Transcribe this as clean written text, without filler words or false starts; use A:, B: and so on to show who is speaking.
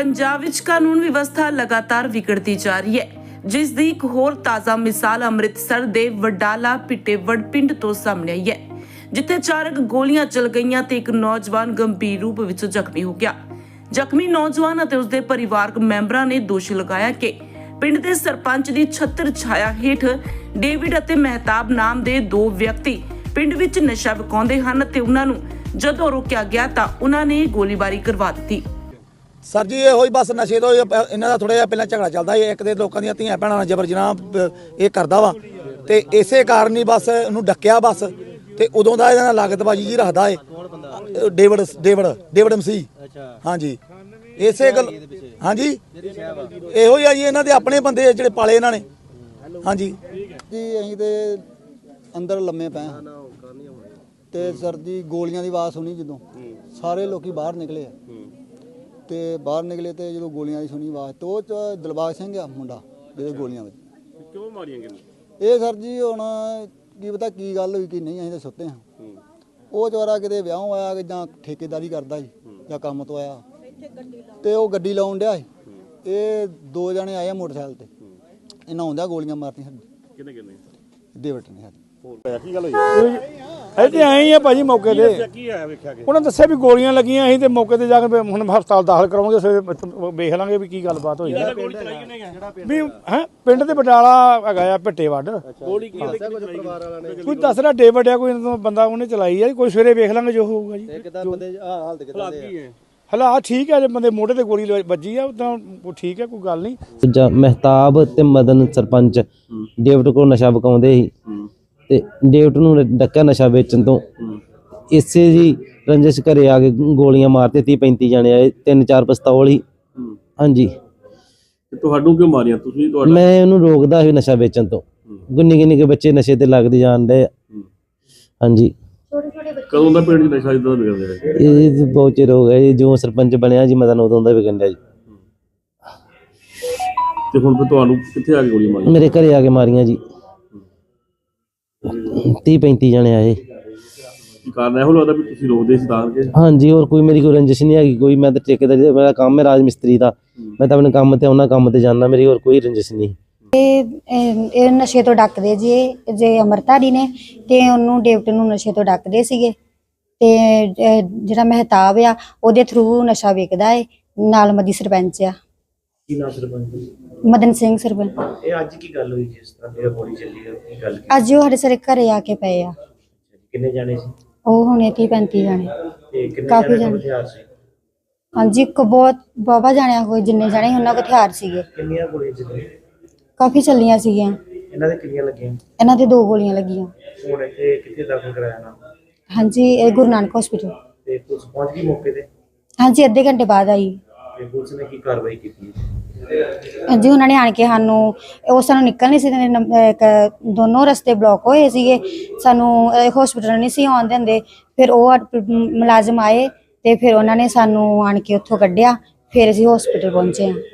A: पंजाब विच कानून व्यवस्था लगातार विगड़ती जा रही है, जिस दी एक होर ताज़ा मिसाल अमृतसर दे वडाला पिटेवड़ पिंड तो सामने आई है, जिथे अचानक गोलियां चल गईयां ते एक नौजवान गंभीर रूप विच जख्मी हो गया। जख्मी नौजवान ਅਤੇ ਉਸਦੇ ਪਰਿਵਾਰਕ ਮੈਂਬਰਾਂ ਨੇ ਦੋਸ਼ ਲਗਾਇਆ ਕਿ ਪਿੰਡ ਦੇ ਸਰਪੰਚ ਦੀ ਛੱਤਰ ਛਾਇਆ ਹੇਠ ਡੇਵਿਡ ਅਤੇ ਮਹਿਤਾਬ ਨਾਮ ਦੇ ਦੋ ਵਿਅਕਤੀ ਪਿੰਡ ਵਿੱਚ ਨਸ਼ਾ ਵਿਕਾਉਂਦੇ ਹਨ ਤੇ ਉਹਨਾਂ ਨੂੰ ਜਦੋਂ ਰੋਕਿਆ ਗਿਆ ਤਾਂ ਉਹਨਾਂ ਨੇ ਗੋਲੀਬਾਰੀ ਕਰਵਾ ਦਿੱਤੀ।
B: सर जी ये बस नशे तो इन्हों का थोड़ा पहले झगड़ा चलता है, एक तो लोगों दी धीआं भैणां जबर जनाह ये करता वा ते इसे कारण ही बस इन्हूं डक्या बस ते उदों दा इहदे नाल लागतबाजी जी रखदा है डेविड मसीह। हाँ जी इसे गल हाँ जी इहो ही आ जी इन्हां दे अपने बंदे जिहड़े पाले इन्हां ने। हाँ जी
C: असीं ते अंदर लम्मे पए ते सर जी गोलियां दी आवाज़ सुनी जदों सारे लोग बाहर निकले ते बाहर निकले तो जो गोलियां की सुनी आवाज़ तो दिलबाग सिंह आ मुंडा जो गोलियां क्यों मारियां ये सर जी हुण की पता की गल हुई कि नहीं, असीं तो सुत्ते हाँ। वो चौरा किते विआह आया कि जां ठेकेदारी करदा जी जां काम तो आया ते वो गड्डी लाउण डिया सी। ये दो जने आए मोटरसाइकिल ते इन्हां आउंदियां गोलियां मारतियां साडी डेविड ने
D: ਇੱਥੇ ਆਏ ਆ ਭਾਜੀ ਮੌਕੇ ਤੇ ਉਹਨਾਂ ਦੱਸਿਆ ਵੀ ਗੋਲੀਆਂ ਲੱਗੀਆਂ ਅਸੀਂ ਤੇ ਮੌਕੇ ਤੇ ਜਾ ਕੇ ਹੁਣ ਹਸਪਤਾਲ ਦਾਖਲ ਕਰਾਉਂਗੇ, ਫਿਰ ਵੇਖ ਲਾਂਗੇ ਵੀ ਕੀ ਗੱਲਬਾਤ ਹੋਈ ਵੀ ਹੈ। ਪਿੰਡ ਦੇ ਬਟਾਲਾ ਹੈਗਾ ਆ ਭਿੱਟੇਵੱਡ, ਕੋਈ ਦੱਸ ਰਿਹਾ ਡੇਵਿਡ ਆ ਕੋਈ ਬੰਦਾ ਉਹਨੇ ਚਲਾਈ ਆ, ਕੋਈ ਸਵੇਰੇ ਵੇਖ ਲਾਂਗੇ ਜੋ ਹੋਊਗਾ ਜੀ। ਹਾਲਾਤ ਠੀਕ ਹੈ, ਜੇ ਬੰਦੇ ਮੋਢੇ ਤੇ ਗੋਲੀ ਵੱਜੀ ਆ ਤਾਂ ਠੀਕ ਹੈ, ਕੋਈ ਗੱਲ ਨਹੀਂ।
E: ਦੂਜਾ ਮਹਿਤਾਬ ਤੇ ਮਦਨ ਸਰਪੰਚ ਡੇਵਿਡ ਕੋਲ ਨਸ਼ਾ ਵਿਕਾਉਂਦੇ ਸੀ ਤੇ ਡੇਵਿਡ ਨੂੰ ਡੱਕਾ ਨਸ਼ਾ ਵੇਚਣ ਤੋਂ ਇਸੇ ਜੀ ਰੰਜਿਸ਼ ਘਰੇ ਆ ਕੇ ਗੋਲੀਆਂ ਮਾਰਤੇ 30-35 ਜਣੇ ਆਏ, 3-4 ਪਿਸਤੌਲ ਹੀ। ਹਾਂਜੀ
F: ਤੁਹਾਨੂੰ ਕਿਉਂ ਮਾਰੀਆਂ ਤੁਸੀਂ?
E: ਮੈਂ ਉਹਨੂੰ ਰੋਕਦਾ ਸੀ ਨਸ਼ਾ ਵੇਚਣ ਤੋਂ, ਗੁੰਨੀ ਕੇ ਬੱਚੇ ਨਸ਼ੇ ਤੇ ਲੱਗਦੇ ਜਾਣ ਡਏ। ਹਾਂਜੀ
F: ਕਦੋਂ ਦਾ ਪਿੰਡ 'ਚ ਨਸ਼ਾ ਇਦਾਂ ਦਾ ਵਿਗੜਦਾ ਹੈ?
E: ਇਹ ਬਹੁਤ ਚਿਰ ਹੋ ਗਿਆ ਜੀ, ਜੋ ਸਰਪੰਚ ਬਣਿਆ ਜੀ ਮਦਨ ਉਦੋਂ ਦਾ ਵਿਗੜਿਆ ਜੀ।
F: ਤੇ ਹੁਣ ਫਿਰ ਤੁਹਾਨੂੰ ਕਿੱਥੇ ਆ ਕੇ ਗੋਲੀ ਮਾਰੀ?
E: ਮੇਰੇ ਘਰੇ ਆ ਕੇ ਮਾਰੀਆਂ ਜੀ, 30-35 ਜਣੇ ਆਏ।
F: ਕੀ ਕਾਰਨ ਇਹੋ ਲੱਗਦਾ ਵੀ ਤੁਸੀਂ ਰੋਕਦੇ ਸੀ ਤਾਂ ਕਿ?
E: ਹਾਂਜੀ ਹੋਰ ਕੋਈ ਮੇਰੀ ਕੋਈ ਰੰਜਿਸ਼ ਨਹੀਂ ਹੈਗੀ, ਕੋਈ ਮੈਂ ਤਾਂ ਠੇਕੇਦਾਰੀ ਦਾ ਮੇਰਾ ਕੰਮ ਹੈ ਰਾਜ ਮਿਸਤਰੀ ਦਾ, ਮੈਂ ਤਾਂ ਆਪਣੇ ਕੰਮ ਤੇ ਆਉਣਾ, ਕੰਮ ਤੇ ਜਾਣਾ, ਮੇਰੀ ਹੋਰ ਕੋਈ ਰੰਜਿਸ਼ ਨਹੀਂ।
G: ਇਹ ਨਸ਼ੇ ਤੋਂ ਡੱਕਦੇ ਜੀ, ਜੇ ਅਮਰਤਾਰੀ ਨੇ ਤੇ ਉਹਨੂੰ ਡੇਵਿਡ ਨੂੰ ਨਸ਼ੇ ਤੋਂ ਡੱਕਦੇ ਸੀਗੇ ਤੇ ਜਿਹੜਾ ਮਹਿਤਾਬ ਆ ਉਹਦੇ ਥਰੂ ਨਸ਼ਾ ਵੇਚਦਾ ਹੈ, ਨਾਲ ਮਦੀ ਸਰਪੰਚ ਆ।
H: ਕੀ ਨਾਮ ਸਰਪੰਚ?
G: ਮਦਨ ਸਿੰਘ ਸਰਪੰਚ।
H: ਇਹ ਅੱਜ ਕੀ ਗੱਲ ਹੋਈ ਜਿਸ ਤਰ੍ਹਾਂ ਮੇਰਾ ਗੋਲੀ ਚੱਲੀ ਹੈ, ਕੀ ਗੱਲ?
G: ਅੱਜ ਉਹ ਸਾਡੇ ਸਾਰੇ ਘਰੇ ਆ ਕੇ ਪਏ ਆ।
H: ਕਿੰਨੇ ਜਾਣੇ ਸੀ
G: ਉਹ ਹੁਣੇ 30-35 ਜਾਣੇ,
H: ਤੇ ਕਿੰਨੇ
G: ਕਾਫੀ
H: ਜਾਣੇ
G: ਜਾਣੇ।
H: ਹਥਿਆਰ ਸੀ?
G: ਹਾਂਜੀ ਬਹੁਤ ਬਾਬਾ ਜਾਣਿਆ ਕੋਈ ਜਿੰਨੇ ਜਾਣੇ ਉਹਨਾਂ ਕੋਲ ਹਥਿਆਰ ਸੀਗੇ,
H: ਕਿੰਨੀਆਂ ਗੋਲੀਆਂ ਚੱਲੀਆਂ?
G: ਕਾਫੀ ਚੱਲੀਆਂ ਸੀਗੀਆਂ।
H: ਇਹਨਾਂ ਦੇ ਕਿੰਨੀਆਂ ਲੱਗੀਆਂ?
G: ਇਹਨਾਂ ਦੇ 2 ਗੋਲੀਆਂ ਲੱਗੀਆਂ।
H: ਹੁਣ ਇੱਥੇ ਕਿੱਥੇ ਦਾਖਲ ਕਰਾਇਆ ਨਾ?
G: ਹਾਂਜੀ ਇਹ ਗੁਰੂ ਨਾਨਕ ਹਸਪੀਟਲ।
H: ਤੇ ਪੁਲਿਸ ਪਹੁੰਚ ਗਈ ਮੌਕੇ ਤੇ?
G: ਹਾਂਜੀ ਅੱਧੇ ਘੰਟੇ ਬਾਅਦ ਆਈ।
H: ਤੇ ਪੁਲਿਸ ਨੇ ਕੀ ਕਾਰਵਾਈ ਕੀਤੀ?
G: ਜੀ ਉਹਨਾਂ ਨੇ ਆਣ ਕੇ ਸਾਨੂੰ ਉਹ ਸਾਨੂੰ ਨਿਕਲ ਨਹੀਂ ਸੀ ਦਿੰਦੇ, ਦੋਨੋਂ ਰਸਤੇ ਬਲੌਕ ਹੋਏ ਸੀਗੇ, ਸਾਨੂੰ ਹਸਪੀਟਲ ਨਹੀਂ ਸੀ ਆਉਣ ਦਿੰਦੇ। ਫਿਰ ਉਹ ਮੁਲਾਜ਼ਮ ਆਏ ਤੇ ਫਿਰ ਉਹਨਾਂ ਨੇ ਸਾਨੂੰ ਆਣ ਕੇ ਉੱਥੋਂ ਕੱਢਿਆ, ਫਿਰ ਅਸੀਂ ਹਸਪੀਟਲ ਪਹੁੰਚੇ ਹਾਂ।